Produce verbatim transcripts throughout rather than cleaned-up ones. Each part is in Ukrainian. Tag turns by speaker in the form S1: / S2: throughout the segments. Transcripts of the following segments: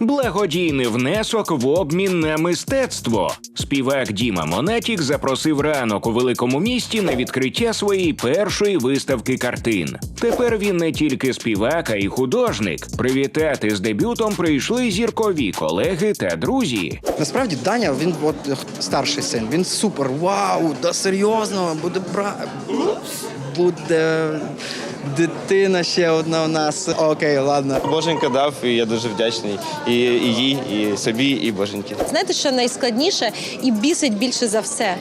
S1: Благодійний внесок в обмін на мистецтво. Співак Діма Монатік запросив ранок у великому місті на відкриття своєї першої виставки картин. Тепер він не тільки співак, а й художник. Привітати з дебютом прийшли зіркові колеги та друзі.
S2: Насправді Даня, він от старший син, він супер, вау, да серйозно, буде бра... буде дитина ще одна у нас. Окей, ладно.
S3: Боженька дав, і я дуже вдячний і, і їй, і собі, і Боженьки.
S4: Знаєте, що найскладніше і бісить більше за все?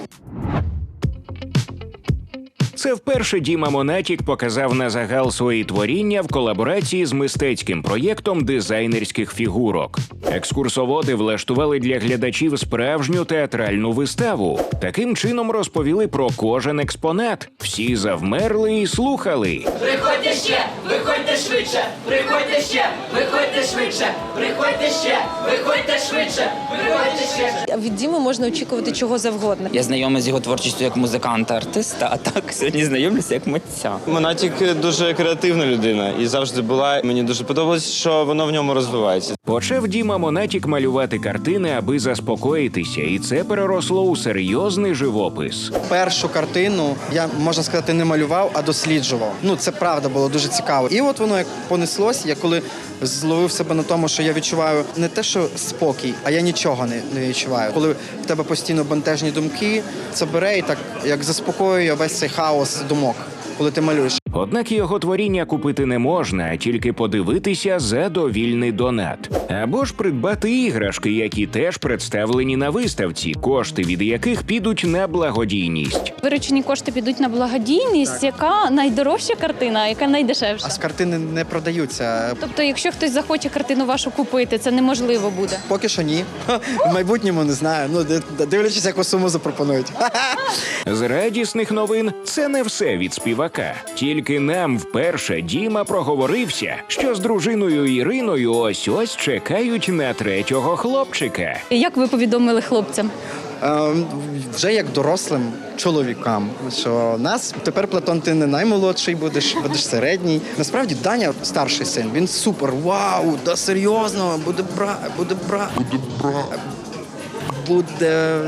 S1: Це вперше Діма Монатік показав на загал свої творіння в колаборації з мистецьким проєктом дизайнерських фігурок. Екскурсоводи влаштували для глядачів справжню театральну виставу. Таким чином розповіли про кожен експонат. Всі завмерли і слухали.
S5: Приходьте ще, виходьте швидше, приходьте ще, виходьте швидше, приходьте ще, виходьте швидше, виходьте ще.
S4: Від Діми можна очікувати чого завгодно.
S6: Я знайомий з його творчістю як музиканта-артиста, а так сьогодні знайомлюся як митця.
S3: Монатік дуже креативна людина і завжди була. Мені дуже подобалось, що воно в ньому розвивається.
S1: Почав Діма Монатік малювати картини, аби заспокоїтися, і це переросло у серйозний живопис.
S2: Першу картину я, можна сказати, не малював, а досліджував. Ну, це правда було дуже цікаво. І от воно як понеслось, я коли зловив себе на тому, що я відчуваю не те, що спокій, а я нічого не, не відчуваю. Коли в тебе постійно бентежні думки, це бере і так, як заспокоює весь цей хаос думок, коли ти малюєш.
S1: Однак його творіння купити не можна, а тільки подивитися за довільний донат. Або ж придбати іграшки, які теж представлені на виставці, кошти від яких підуть на благодійність.
S7: Виручені кошти підуть на благодійність. Так. Яка найдорожча картина, а яка найдешевша?
S2: А з картини не продаються.
S7: Тобто, якщо хтось захоче картину вашу купити, це неможливо буде?
S2: Поки що ні. В майбутньому не знаю. Ну, дивлячись, яку суму запропонують.
S1: З радісних новин це не все від співака. Тільки нам вперше Діма проговорився, що з дружиною Іриною ось-ось чекають на третього хлопчика.
S7: Як ви повідомили хлопцям?
S2: Е, вже як дорослим чоловікам, що нас тепер, Платон, ти не наймолодший будеш, будеш середній. Насправді Даня, старший син, він супер, вау, да серйозно, буде бра... буде бра... буде бра... буде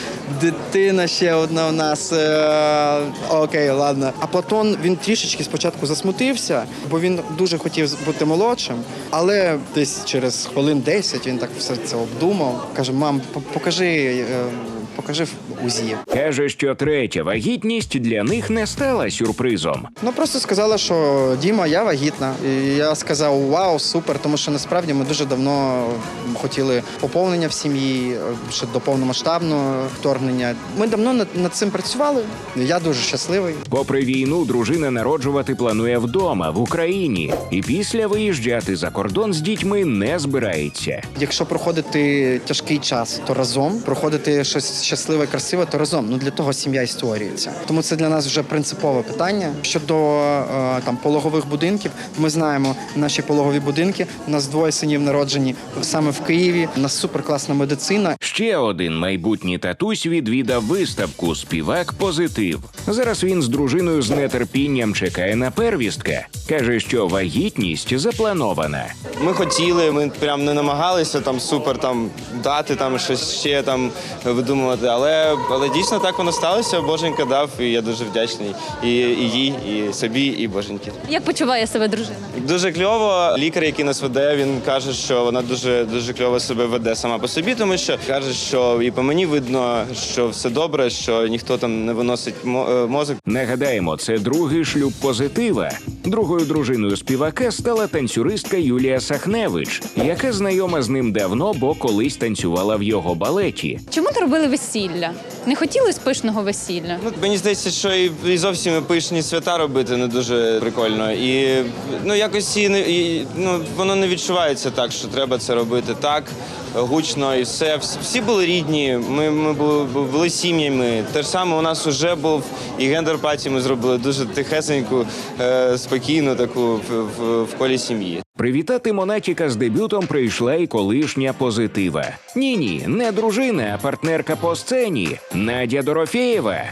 S2: дитина ще одна у нас. Е, окей, ладно. А Платон, він трішечки спочатку засмутився, бо він дуже хотів бути молодшим, але десь через хвилин десять він так все це обдумав. Каже: мам, покажи, е, покажи в УЗІ.
S1: Каже, що третя вагітність для них не стала сюрпризом.
S2: Ну, просто сказала, що Діма, я вагітна. І я сказав: вау, супер, тому що насправді ми дуже давно хотіли поповнення в сім'ї, ще до повномасштабного вторгнення. Ми давно над, над цим працювали. Я дуже щасливий.
S1: Попри війну, дружина народжувати планує вдома, в Україні. І після виїжджати за кордон з дітьми не збирається.
S2: Якщо проходити тяжкий час, то разом. Проходити щось щасливе, красиве, то разом. Ну, для того сім'я і створюється. Тому це для нас вже принципове питання. Щодо е, там пологових будинків, ми знаємо наші пологові будинки. У нас двоє синів народжені саме в Києві. У нас суперкласна медицина.
S1: Ще один майбутній татусь відвідав виставку «Співак Позитив». Зараз він з дружиною з нетерпінням чекає на первістка. Каже, що вагітність запланована.
S3: Ми хотіли, ми прям не намагалися там супер там дати там щось ще там видумувати, але, але дійсно так воно сталося. Боженька дав, і я дуже вдячний і, і їй, і собі, і Боженьки.
S7: Як почуває себе дружина?
S3: Дуже кльово. Лікар, який нас веде, він каже, що вона дуже дуже кльово себе веде сама по собі, тому що каже, що і по мені видно, що все добре, що ніхто там не виносить мозок.
S1: Нагадаємо, це другий шлюб Позитива. Другою дружиною співака стала танцюристка Юлія Сахневич, яка знайома з ним давно, бо колись танцювала в його балеті.
S7: Чому не робили весілля? Не хотіли пишного весілля?
S3: Ну, мені здається, що і, і зовсім пишні свята робити не дуже прикольно. І ну якось і, і ну воно не відчувається так, що треба це робити так гучно і все. Всі були рідні. Ми, ми були, були сім'ями. Те ж саме у нас вже був і гендер-паті. Ми зробили дуже тихесеньку, е, спокійну таку в, в, в колі сім'ї.
S1: Привітати Монатіка з дебютом прийшла і колишня Позитива. Ні-ні, не дружина, а партнерка по сцені Надя Дорофєєва. Вона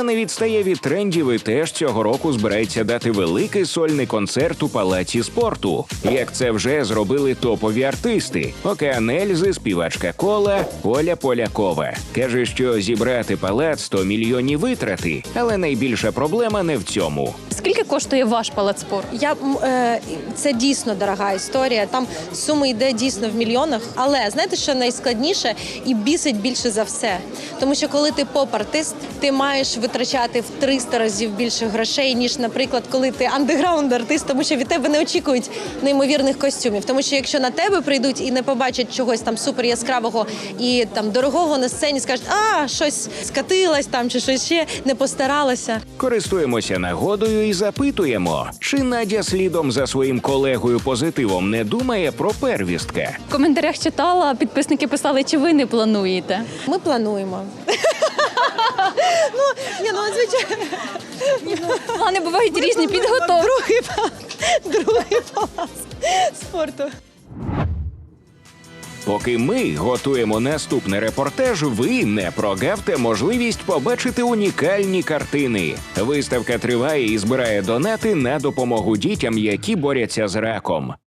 S1: Вона не відстає від трендів і теж цього року збирається дати великий сольний концерт у Палаці спорту. Як це вже зробили топові артисти: Океан Ельзи, співачка Кола, Оля Полякова. Каже, що зібрати палац – сто мільйонів витрати, але найбільша проблема не в цьому.
S7: Скільки коштує ваш палац спорту?
S4: Я м, е, це дійсно дорога історія. Там сума йде дійсно в мільйонах. Але знаєте, що найскладніше і бісить більше за все. Тому що коли ти поп-артист, ти маєш витрачати в триста разів більше грошей, ніж, наприклад, коли ти андеграунд-артист, тому що від тебе не очікують неймовірних костюмів. Тому що якщо на тебе прийдуть і не побачать чогось там супер яскравого і там дорогого на сцені, скажуть, а щось скатилась там чи щось ще не постаралася.
S1: Користуємося нагодою і запитуємо, чи Надя слідом за своїм колегою позитивом не думає про первістка.
S7: В коментарях читала, підписники писали, чи ви не плануєте.
S4: Ми плануємо. Ну, ні, ну, звичайно.
S7: Плани бувають різні, підготовки.
S4: Другий палац, другий палац спорту.
S1: Поки ми готуємо наступний репортаж, ви не прогавте можливість побачити унікальні картини. Виставка триває і збирає донати на допомогу дітям, які борються з раком.